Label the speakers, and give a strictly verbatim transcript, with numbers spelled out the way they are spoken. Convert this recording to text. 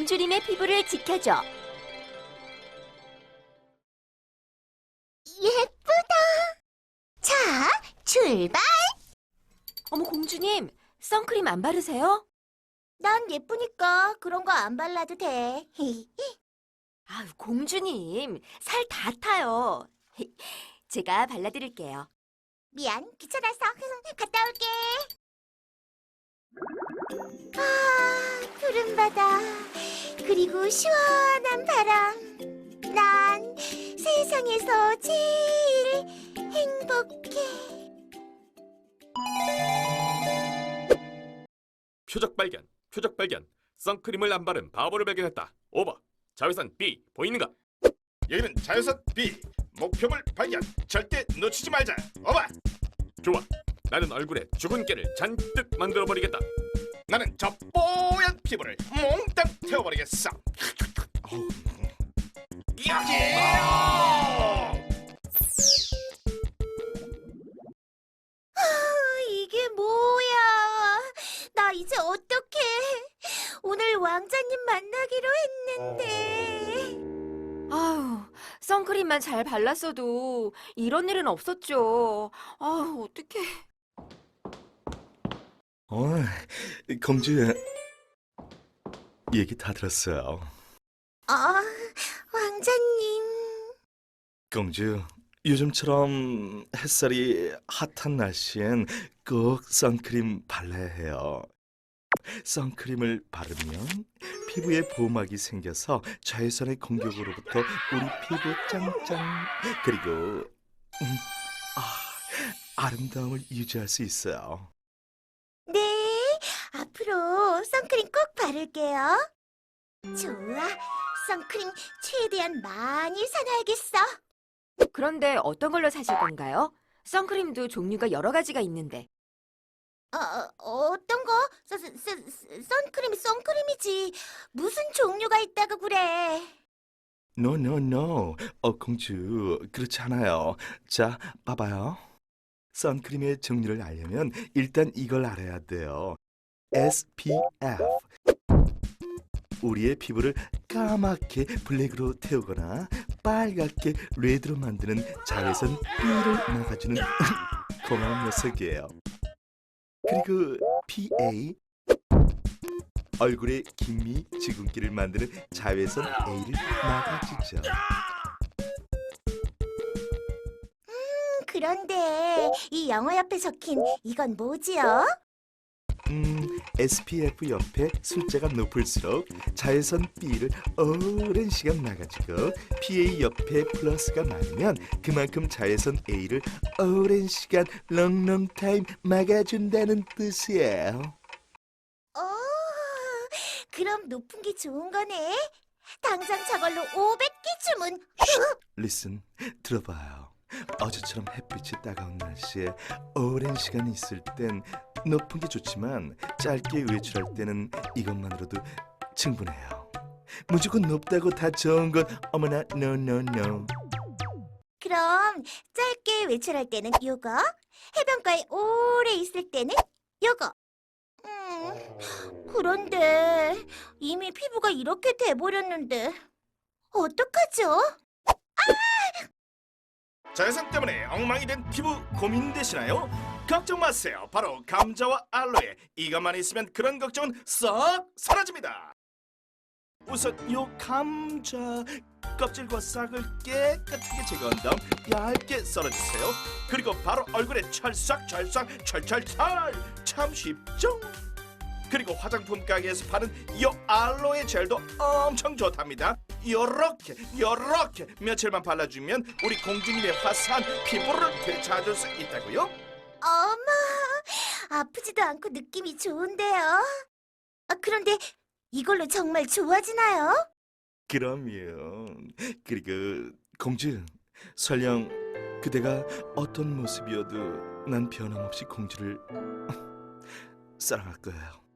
Speaker 1: 공주님의 피부를 지켜줘.
Speaker 2: 예쁘다. 자, 출발.
Speaker 1: 어머, 공주님, 선크림 안 바르세요?
Speaker 2: 난 예쁘니까 그런 거 안 발라도 돼.
Speaker 1: 아유, 공주님, 살 다 타요. 제가 발라드릴게요.
Speaker 2: 미안, 귀찮아서. 갔다 올게. 아, 푸른 바다, 그리고 시원한 바람. 난 세상에서 제일 행복해.
Speaker 3: 표적 발견, 표적 발견. 선크림을 안 바른 바보를 발견했다. 오버. 자외선 B 보이는가? 여기는 자외선 B. 목표물 발견. 절대 놓치지 말자. 오버. 좋아. 나는 얼굴에 죽은 깨를 잔뜩 만들어버리겠다. 나는 저 뽀얀 피부를 몽땅 태워버리겠어. 여기에요.
Speaker 2: 이게 뭐야? 나 이제 어떡해? 오늘 왕자님 만나기로 했는데.
Speaker 1: 아유, 선크림만 잘 발랐어도 이런 일은 없었죠. 아유, 어떡해.
Speaker 4: 어, 공주, 얘기 다 들었어요.
Speaker 2: 아, 왕자님.
Speaker 4: 공주, 요즘처럼 햇살이 핫한 날씨엔 꼭 선크림 발라야 해요. 선크림을 바르면 피부에 보호막이 생겨서 자외선의 공격으로부터 우리 피부 짱짱 그리고 음, 아, 아름다움을 유지할 수 있어요.
Speaker 2: 네, 앞으로 선크림 꼭 바를게요. 좋아, 선크림 최대한 많이 사놔야겠어.
Speaker 1: 그런데 어떤 걸로 사실 건가요? 선크림도 종류가 여러 가지가 있는데.
Speaker 2: 어, 어떤 거? 서, 서, 서, 선크림이 선크림이지. 무슨 종류가 있다고 그래.
Speaker 4: No, no, no. 어, 공주, 그렇지 않아요. 자, 봐봐요. 선크림의 종류를 알려면 일단 이걸 알아야 돼요. 에스피에프. 우리의 피부를 까맣게 블랙으로 태우거나 빨갛게 레드로 만드는 자외선 B를 막아주는 고마운 녀석이에요. 그리고 피에이. 얼굴에 김미, 지근기를 만드는 자외선 A를 막아주죠.
Speaker 2: 그런데 이 영어 옆에 적힌 이건 뭐지요?
Speaker 4: 음, 에스피에프 옆에 숫자가 높을수록 자외선 B를 오랜 시간 막아주고 피에이 옆에 플러스가 많으면 그만큼 자외선 A를 오랜 시간 롱롱 타임 막아준다는 뜻이에요.
Speaker 2: 오, 그럼 높은 게 좋은 거네. 당장 저걸로 오백 개 주문.
Speaker 4: 리슨, 들어봐요. 어제처럼 햇빛이 따가운 날씨에 오랜 시간 있을 땐 높은 게 좋지만 짧게 외출할 때는 이것만으로도 충분해요. 무조건 높다고 다 좋은 건 어머나 no no no.
Speaker 2: 그럼 짧게 외출할 때는 요거, 해변가에 오래 있을 때는 요거. 음, 그런데 이미 피부가 이렇게 돼버렸는데 어떡하죠?
Speaker 3: 자외선 때문에 엉망이 된 피부 고민되시나요? 걱정 마세요. 바로 감자와 알로에 이것만 있으면 그런 걱정은 싹 사라집니다. 우선 요 감자 껍질과 싹을 깨끗하게 제거한 다음 얇게 썰어주세요. 그리고 바로 얼굴에 찰싹찰싹 철철철. 참 쉽죠? 그리고 화장품 가게에서 파는 이 알로에 젤도 엄청 좋답니다. 요렇게 요렇게 며칠만 발라주면 우리 공주님의 화사한 피부를 되찾을 수 있다고요?
Speaker 2: 어머, 아프지도 않고 느낌이 좋은데요. 아, 그런데 이걸로 정말 좋아지나요?
Speaker 4: 그럼요. 그리고 공주, 설령 그대가 어떤 모습이어도 난 변함없이 공주를 사랑할 거예요.